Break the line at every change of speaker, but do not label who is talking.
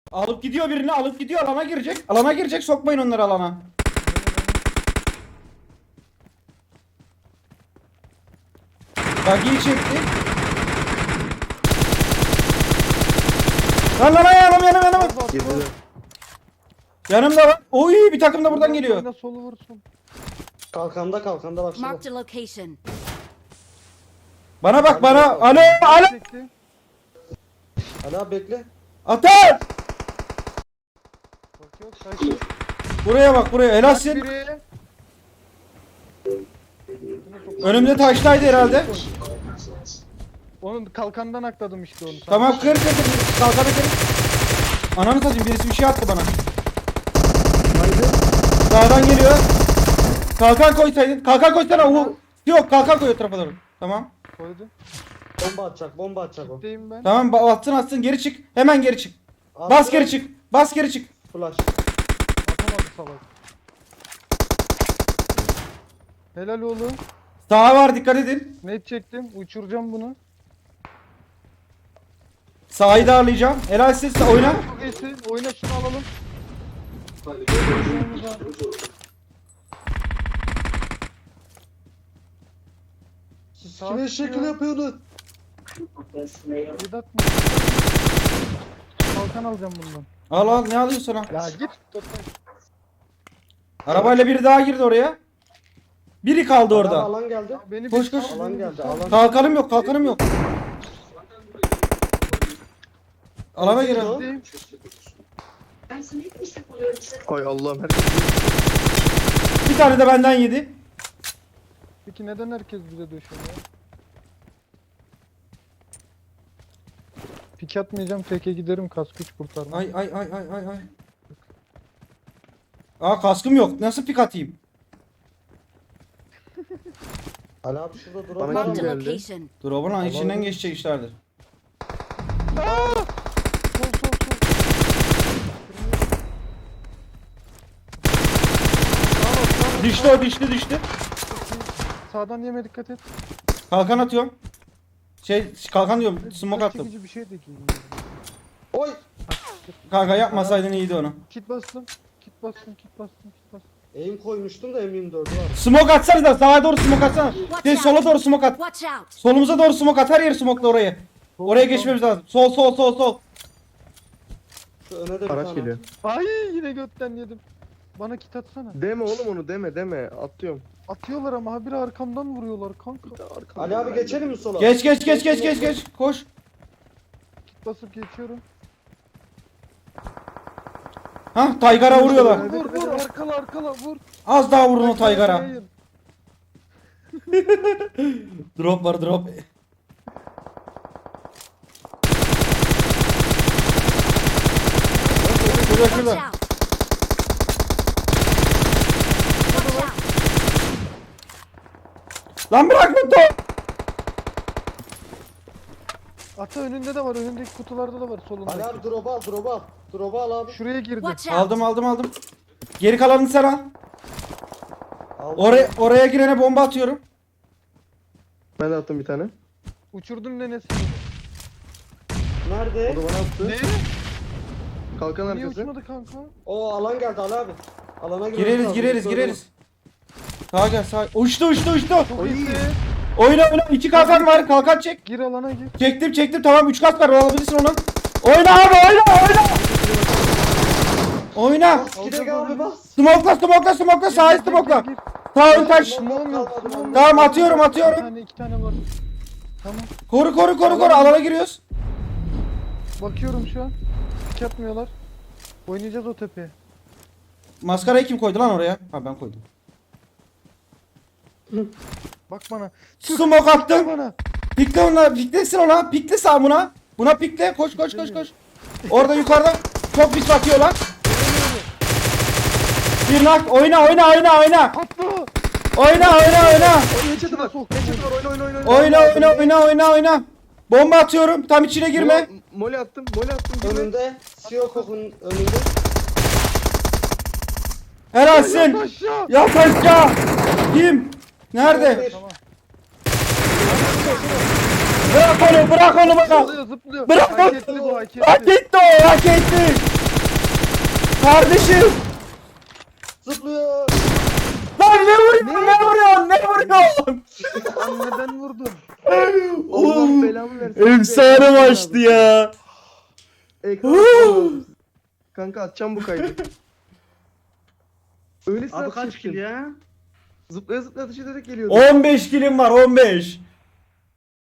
Alıp gidiyor birini, alıp gidiyor, alana girecek. Alana girecek, sokmayın onları alana. Bagiyi çekti. Lan yanım.
Girdi.
Yanımda var. Oy, bir takım da buradan geliyor.
Oyna, solu vursun.
Kalkanda bak şurada.
Marked a location.
Bana bak bana. Alo.
Çekti.
Ali abi bekle.
Atar.
Bakıyor kaçtı.
Buraya bak buraya. Helalsin.
Biri.
Önümde taştaydı herhalde.
Onun kalkandan akladım işte onu.
Tamam kır. Kalkanı kır. Ananı satayım, birisi bir şey attı bana.
Haydi.
Sağdan geliyor. Kalkan koysaydın. Kalkan koysana. Yok, kalkan koy o tarafa doğru. Tamam.
Koydu.
Bomba atacak o.
Deyim ben.
Tamam atsın geri çık. Hemen geri çık.
Attı.
Bas geri çık. Bas geri çık.
Flash.
Atamadı salak. Helal oğlum.
Sağa var, dikkat edin.
Net çektim. Uçuracağım bunu.
Sağı darlayacağım. Helal siz oyna.
Çok iyisin. Oyna şunu alalım.
Siz kime şekil yapıyorsunuz?
Vedat mı? Kalkan alacağım bundan.
Al ne alıyorsun ha?
Ya git.
Arabayla biri daha girdi oraya. Biri kaldı
Adam
orada.
alan geldi.
Beni
Koş,
bir
koş.
sal,
Alan
beni bir
geldi.
sal.
Alan.
Kalkanım yok. Alana girelim.
Deyim.
Hay Allah'ım herkes.
Bir tane de benden yedi.
Peki neden herkes bize döşüyor ya? Pik atmayacağım, teke giderim, kask güç kurtarma.
Ay. Aa, kaskım yok. Nasıl pik atayım?
Ali abi şurada
Bana
duralım.
Marked a
geldi?
location.
Drop'un içinden geçecek işlerdir.
Sol.
Düştü.
Sağdan yeme dikkat et.
Kalkan atıyorum. Kalkan diyorum. Smoke attım.
Çekici bir şey de giyeyim.
Oy.
Kanka yapmasaydın iyiydi onu.
Kit bastım.
Aim koymuştum da M24 var.
Smoke atsana da sağa doğru smoke atsana. Sola doğru smoke at.
Watch out.
Solumuza doğru smoke at. Her yeri smoke'la oraya. Oraya geçmemiz lazım. Sol.
Şu öne de bir
Araç
tane.
geliyor.
Ay yine götten yedim. Bana kit atsana.
Deme oğlum onu deme. Atıyorum.
Atıyorlar ama habire arkamdan vuruyorlar kanka.
Ali abi geçelim mi sola?
Geç. Koş.
Kit basıp geçiyorum.
Hah, Taygar'a vuruyorlar.
Vur arkala vur.
Az daha vurun o Taygar'a.
Hayır.
Drop var.
Watch
Şurada.
out. Watch out.
Lan bırak bunu.
Ata önünde de var, önündeki kutularda da var solunda.
Ali abi drop'u al. Drop'u al abi.
Şuraya girdi.
Watch out.
Aldım. Geri kalanını sen al.
Aldım.
Oraya girene bomba atıyorum.
Ben de attım bir tane.
Uçurdum nenesini.
O
Nerede?
da bana attı.
Ne?
Kalkan
Niye
arkası.
uçmadı kanka?
O alan geldi Ali abi. Alana girmemiz lazım.
Gireriz. Sağa gel. Uçtu.
Çok iyisin.
Oyna. 2 kalkan var. Kalkan çek.
Gir alana gir.
Çektim. Tamam 3 kalk var. Alabilirsin onu. Oyna abi. Oyna.
Gidek abi bas.
Smoke'la. Sağa smoke'la.
Gir.
Sağ ön taş.
Smoke'um yok.
Tamam atıyorum.
Bir tane 2 tane var. Tamam.
Koru. Alana giriyoruz.
Bakıyorum şu an. Pik atmıyorlar. Oynayacağız o tepeye.
Maskarayı kim koydu lan oraya? Ha, ben koydum.
Bak bana.
Smoke attım.
Bana.
Piklesin ona. Pikle sağ buna. Buna pikle. Koş. Orada yukarıda çok pis bakıyorlar. Bir nak. Oyna.
Atla.
Oyna.
Geçeti var.
Oyna. Bomba atıyorum. Tam içine girme.
Moli attım. Girme.
Önünde. Siyokok'un önünde.
Helalsin.
Aşağı.
Yat aşağı. Kim? Nerede?
Tamam.
Bırak onu bana.
Zıplıyor zıplıyor.
Bırak
Hak
onu.
etti bu hak etti.
Hak etti o, hak etti. Kardeşim.
Zıplıyor.
Lan ne vuruyorsun? Ne vuruyorsun?
Lan neden vurdun?
Allah belamı versin.
Efsane maçtı ya.
Ekran. Kanka atacağım bu kaydı. Öyle
Abi kaç kill ya?
Zıplaya zıplaya ateş ederek geliyordu.
15 kilim var, 15.